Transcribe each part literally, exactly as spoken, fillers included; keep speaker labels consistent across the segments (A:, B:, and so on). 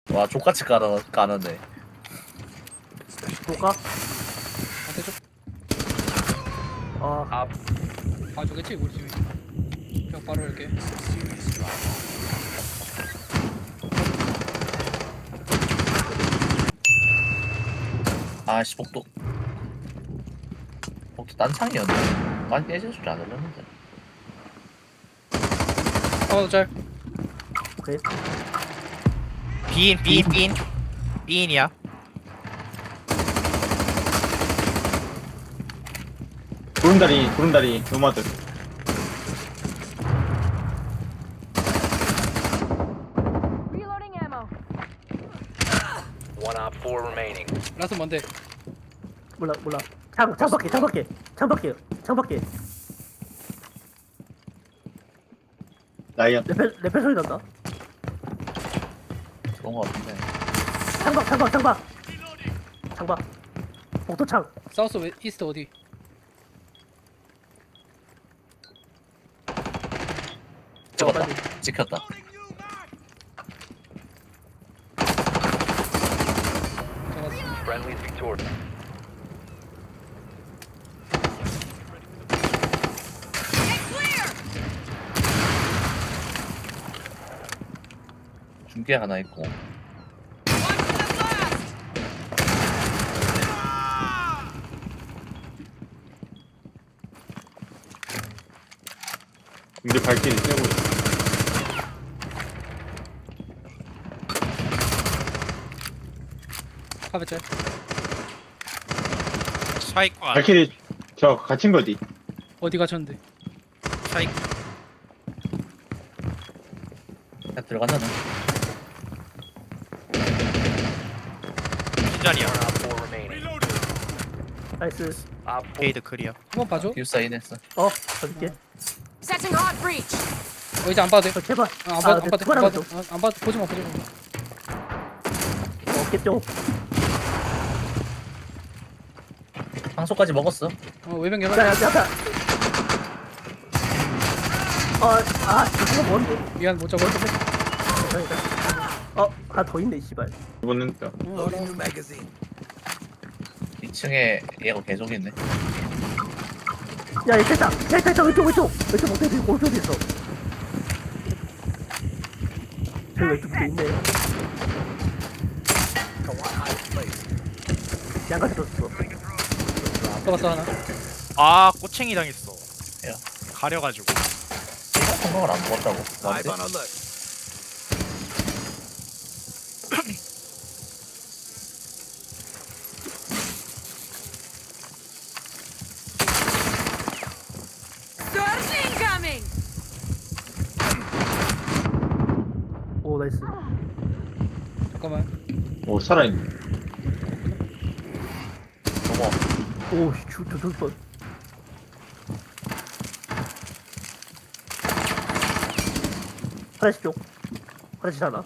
A: 와 족같이 까는 까는데.
B: 볼까?
C: 한테 좀
B: 아,
C: 봐주겠지 우리 팀이. 벽 바로 이렇게.
A: 아씨 복도. 복도 딴창이었네. 많이 깨질 줄 알았는데.
C: 어 잘.
B: 오케이.
D: 비인 비인 비인 비인이야.
E: 구름다리 구름다리 노마드.
F: Reloading ammo.
G: One op four remaining.
C: 라스 뭔데?
B: 몰라, 몰라. 창, 창밖에, 창밖에, 창밖에, 창밖에.
E: 라이언.
B: 레펠, 레펠 소리 난다.
A: 그런 거 같은데.
B: 창밖, 창밖, 창밖. 창밖. 복도 창.
C: 사우스 웨, 이스트 어디?
A: 찍었다.
B: 빨리.
A: 찍혔다.
C: 잡았어.
G: Friendly's victorious.
A: 중계 하나 있고.
E: 이제 발길이 쐬고 있어.
C: 카베짤.
D: 스파이크가
E: 발길이 저 갇힌 거지.
C: 어디 갇혔는데?
D: 스파이크
A: 그냥 들어간다네.
D: 빈자리야.
G: One op four remaining.
B: 나이스.
G: Op four.
D: 페이드 클리어.
C: 한번 봐줘.
A: 기숙사 인했어.
B: 어, 어딨게?
F: Setting hard breach.
C: 어 이제 안 봐도 돼.
B: 어, 제발.
C: 어, 안 봐도 안
B: 네,
C: 봐도 안
B: 투발하면
C: 봐도
B: 좀.
C: 어, 안 봐도 보지 마 보지 마.
B: 어, 없겠죠?
A: 황소까지 먹었어.
C: 어 외병
B: 야,
C: 개발.
B: 야, 야, 야. 어, 아, 저거 뭔데?
C: 미안 못 잡아.
B: 어, 하나 더 있네, 씨발.
E: 이번엔 또
C: 어, 알아.
A: 이 층에 얘가 계속 있네.
B: 야, 있다, 있다, 있다, 있다, 왼쪽, 왼쪽, 왼쪽 못해, 지금 오른쪽에 있어. 저기 왼쪽 밑에 있네. 양가 들었어.
C: 잡았어 하나.
D: 아 꼬챙이 당했어.
A: 야.
D: 가려가지고.
A: 얘가 성공을 안 먹었다고. 맞지?
F: Surge incoming.
B: 오, 나이스.
C: 잠깐만.
E: 오 살아있네.
A: 넘어.
B: 오, 씨, 저, 저, 저, 저. 화장실 쪽. 화장실 하나.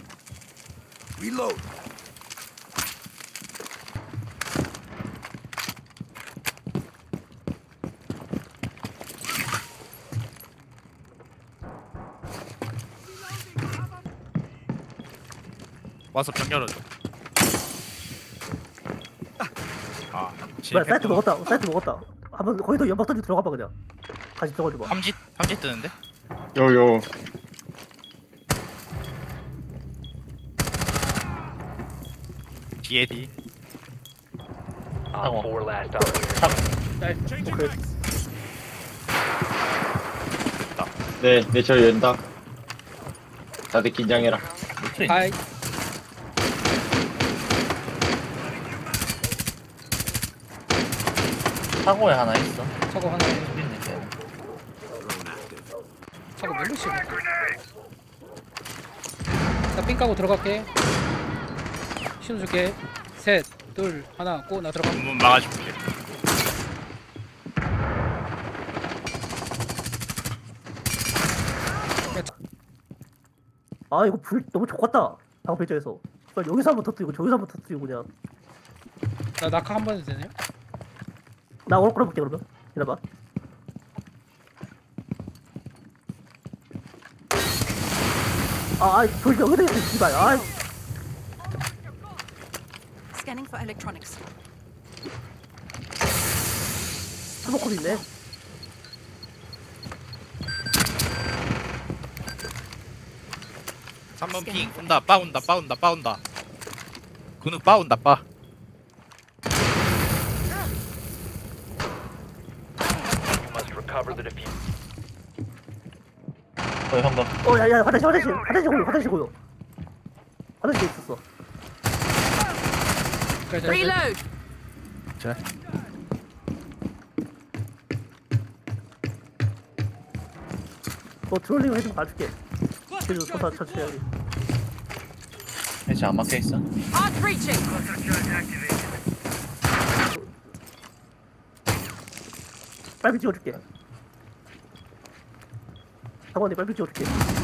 D: 와서 병 열어줘. 아
B: 뭐야,
D: 진짜
B: 사이트 먹었다. 사이트 먹었다. 한번 거기도 연막 던지 들어가봐 그냥. 같이 들어가줘봐.
D: 삼짓 삼짓 뜨는데?
E: 요요.
D: 뒤에 뒤.
G: Op four last operator.
B: 오케이.
E: 네, 네, 저 연다. 다들 긴장해라.
A: 밑에 있네.
C: 하이.
A: 차고에 하나 있어.
C: 차고 하나.
A: 여기 있네. 걔.
C: 차고 멜로시. 나삥 까고 들어갈게. 신호줄게. 셋, 둘, 하나, 고 나 들어가.
D: 문문 막아줄게.
C: 야, 차-
B: 아, 이거 불 너무 좋겠다. 방패자에서. 여기서 한번 터뜨리고 저기서 한번 터뜨리고 그냥.
C: 나 낙하 한 번 해도 되냐?
B: 나 오늘 끌어볼게 그러면. 기다려봐. 아, 아이, 돌 여기다 있어, 씨발. 아이,
F: Scanning for electronics.
B: 스모커도 있네.
D: 삼 번 핑 온다 빠 온다 빠 온다 빠 온다 근육 빠 온다 빠
G: You must recover the diffuser.
A: 어 형광.
B: 어, 야, 야, 화장실, 화장실, 화장실 고요, 화장실 고요. 화장실에 있었어.
C: 자, 자, 자.
F: Reload.
D: 자
B: 너 트롤링 해좀 봐줄게. 그래도 서서 천천히 하기.
A: 해치 안 막혀 있어.
F: Hard breaching.
B: 빨리 찍어줄게. 상원이 빨리 찍어줄게.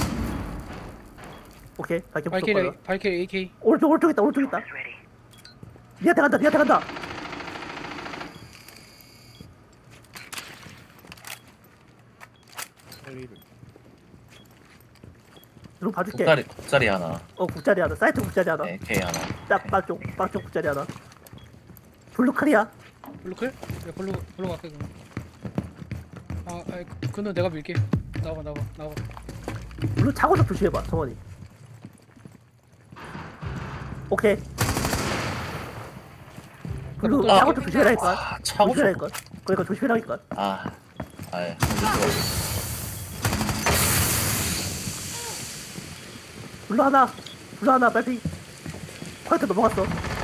B: 오케이, 갈게 무조건.
C: 발키리 발키리 에이케이.
B: 오른쪽, 오른쪽 있다, 오른쪽 있다. 니한테 간다, 니한테 간다. 좀 봐줄게.
A: 국자리 국자리 하나.
B: 어, 국자리 하나, 사이트 국자리 하나.
A: 에이케이 하나.
B: 딱 빵쪽, 빵쪽 국자리 하나. 블루 칼이야.
C: 블루클? 야 블루 블루 갈게 그럼. 아, 아이 그- 그는 내가 밀게. 나와 나와 나와.
B: 블루 차고서 조심해봐, 성원이. 오케이. 블루
C: 아,
B: 차고서 조심해라니까.
A: 아 차고 좀.
B: 조심해라니까. 그러니까 조심해라니까.
A: 아. 아예.
B: 블루 하나, 블루 하나, 빨리. 화이트 넘어갔어.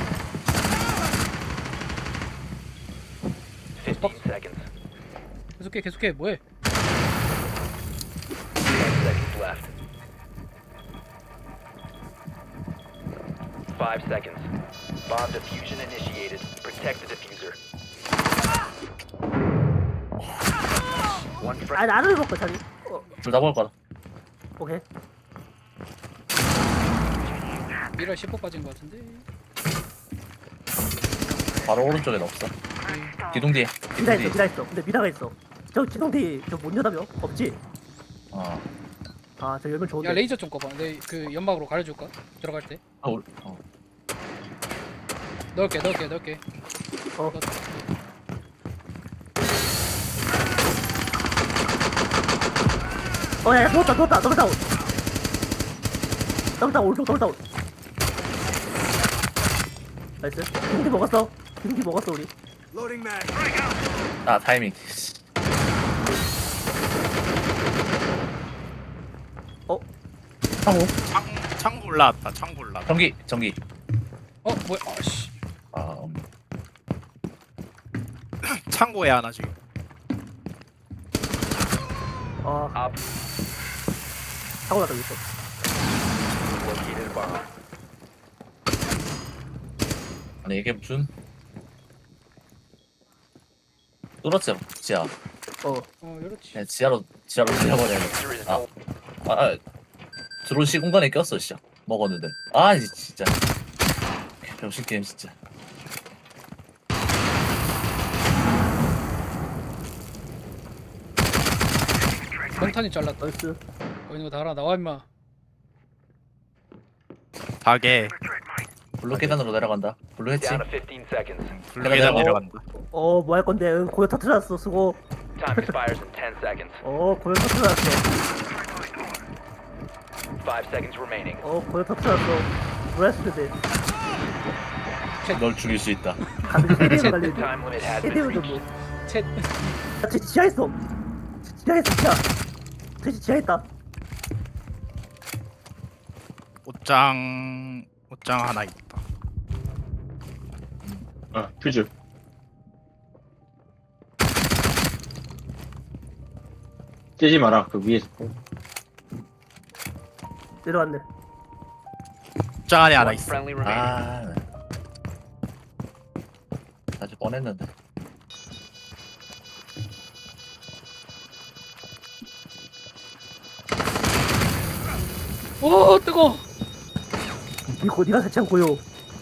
G: fifteen seconds.
C: 계속해 계속해 뭐해?
G: ten seconds left. Five seconds. Bomb diffusion initiated. Protect the diffuser. One
B: 아니,
G: friend.
B: 나를 먹고 자기. 어,
A: 둘다 먹을 거다.
B: 오케이.
C: 미라 십 호 빠진 거 같은데.
A: 바로 오른쪽에 없어. 기둥 뒤에.
B: 미라
A: 기둥
B: 있어,
A: 뒤에.
B: 미라 있어. 근데 미라가 있어. 저 지동디 저못 여다며? 없지?
A: 어.
B: 아, 저 열면 좋은데.
C: 야 레이저 좀 꺼봐. 내 그 연막으로 가려줄까? 들어갈 때.
A: 아, 올- 어.
C: 넣을게 넣을게 넣을게.
B: 어.
C: 넣-
B: 어, 야, 야, 누웠다, 누웠다, 더블 다운. 더블 다운, 오른쪽 더블 다운. 나이스. 기둥디 먹었어. 기둥디 먹었어, 우리.
A: 아 타이밍.
B: 어?
A: 창호.
D: 창 창고 올라왔다 창고 올라왔다
A: 전기 전기.
C: 어 뭐야? 아씨.
A: 아 음.
D: 창고에 하나 지금
B: 아,
G: Op
B: 사고 나다, 있어.
G: located a bomb.
A: 아니 이게 무슨? 뚫었지 지하.
B: 어.
C: 어 이렇지.
A: 그냥 지하로 지하로 들려버려야 돼.
G: Diffuser is
A: 아.
G: no
A: 아, 아 드론 시공간에 꼈어 진짜. 먹었는데. 아 이 진짜. 병신 게임 진짜.
C: 몽탄이 잘랐다.
B: 나이스.
C: 거기 있는 거 다 알아. 나와 임마.
D: 닭에
A: 블루 계단으로 내려간다. 블루 했지?
G: down to fifteen seconds.
D: 블루 계단
A: 어.
D: 내려간다
B: 어, 뭐 할 건데? 응, 고요 터트렸어, 수고.
G: Time expires in ten seconds.
B: 어, 고요 터트렸어.
G: Five seconds remaining.
B: 어, 고요 터트렸어. 뭐 했을 텐데.
A: 널 죽일 수 있다.
B: 가면 헤드에 갈려.
G: Time limit has been
B: 헤드에 좀
G: reached.
B: 뭐.
C: 챗.
B: 야, 쟤 지하에 있어. 지하에 있어, 지하. 쟤 지하에 있다.
D: 옷장 옷장 하나 있다
E: 아, 퓨즈. 떼지 마라, 그 위에서.
B: 내려왔네.
D: 옷장 안에 하나
G: One
D: 있어
G: friendly remaining.
A: 아. 아주 뻔했는데.
C: 오 뜨거.
B: 이거 니가 설치한 고요.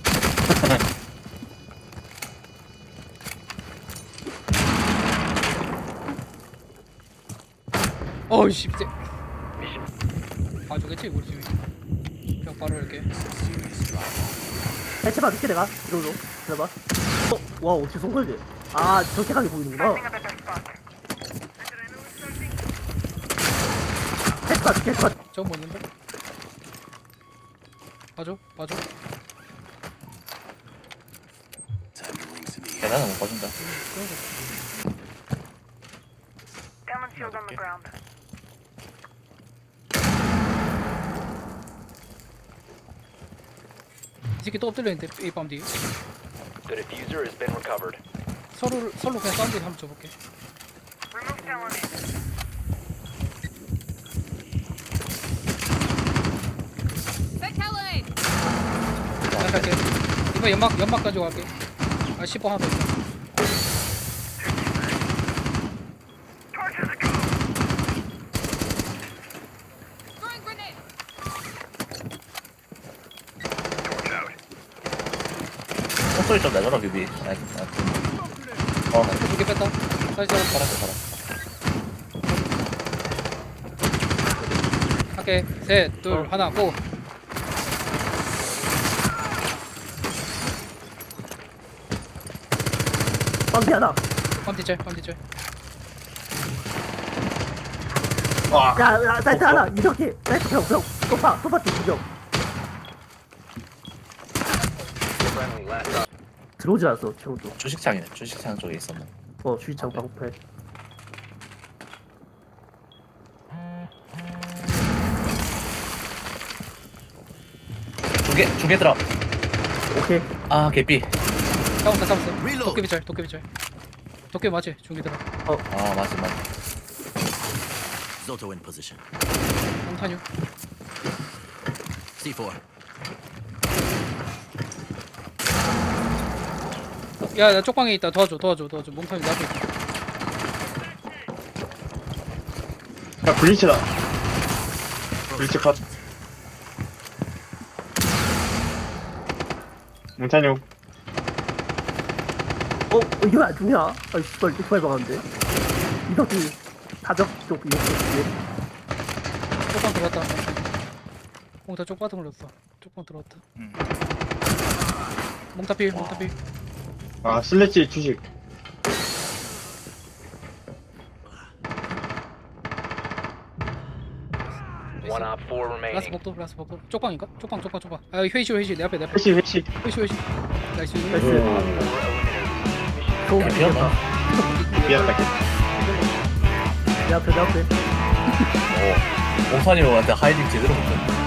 C: 어이씨. 쎄.
G: Mission
C: 봐주겠지 우리 집이. 그냥 바로 이렇게.
B: 해체봐 밑에 내가 들어줘 들어봐. 어? 와 어떻게 쏜 거지? 아 저렇게 가게 보이는구나. 해체봐 밑에 해체봐.
C: 저거 뭐 있는데? 봐줘 봐줘.
A: 계단은 못 봐준다.
F: Common shield on the ground.
C: 이 새끼 또 엎드려있는데 A밤 뒤에.
G: The diffuser has been recovered.
C: 서로를 서로 그냥 사운드 한번 줘볼게.
F: Remove element. Fatality.
C: 나 갈게. 이번 연막 연막 가지고 갈게. 아 십 번 하나 더 있어.
F: Throwing grenade.
A: 목소리 좀 내줘라 비비. 아, 아, 어,
C: 두 개 뺐다. 다시 잡아.
A: 살았어 살았어.
C: 할게. 셋, 둘, 하나, 고.
B: 빰피 하나.
C: 빰티짤, 빰티짤.
E: 와.
B: 야야 사이트 하나 이렇게 사이트 병병 소파 소파 뒤 두병.
G: Friendly last op.
B: 들어오지 않았어 지금도.
A: 주식창이네. 주식창 쪽에 있었네.
B: 어 주의창 방패.
A: 두 개, 두 개 들어.
B: 오케이.
A: 아, 개삐.
C: 싸웠다, 싸웠어. 도깨비짤, 도깨비짤. 도깨비 맞지? 중기들아.
A: 아, 맞지, 맞지.
H: Zoto in position.
C: 몽타뉴.
H: C four.
C: 야, 나 쪽방에 있다. 도와줘, 도와줘, 도와줘. 몽타뉴 내 앞에 있다.
E: 야 블리츠다. 블리츠 컷. 몽타뉴.
B: 어 이게 왜 안 죽냐? 아이 씨발 이렇게 많이 박았는데. 이덕기 사적 쪽 이렇게 뒤에.
C: 쪽방 들어왔다. 몽타 쪽바닥 올렸어. 쪽방 들어왔다.
D: 음.
C: 몽타필, 몽타필.
E: 아 슬래치 주식.
G: One op four
C: 라스
G: remaining.
C: 복도, 라스 복도. 쪽방인가? 쪽방, 쪽방, 쪽방. 아, 회의실, 회의실. 내 앞에, 내 앞에.
E: 회시 회시.
C: 회의실, 회의실. 나이스.
B: 나이스.
G: Mission
B: 좋은
A: 개피였나?
B: 겠다
E: 미안하다.
B: 내 앞에 내 앞에.
A: 오. 몽타님한테 하이딩 제대로 못했네.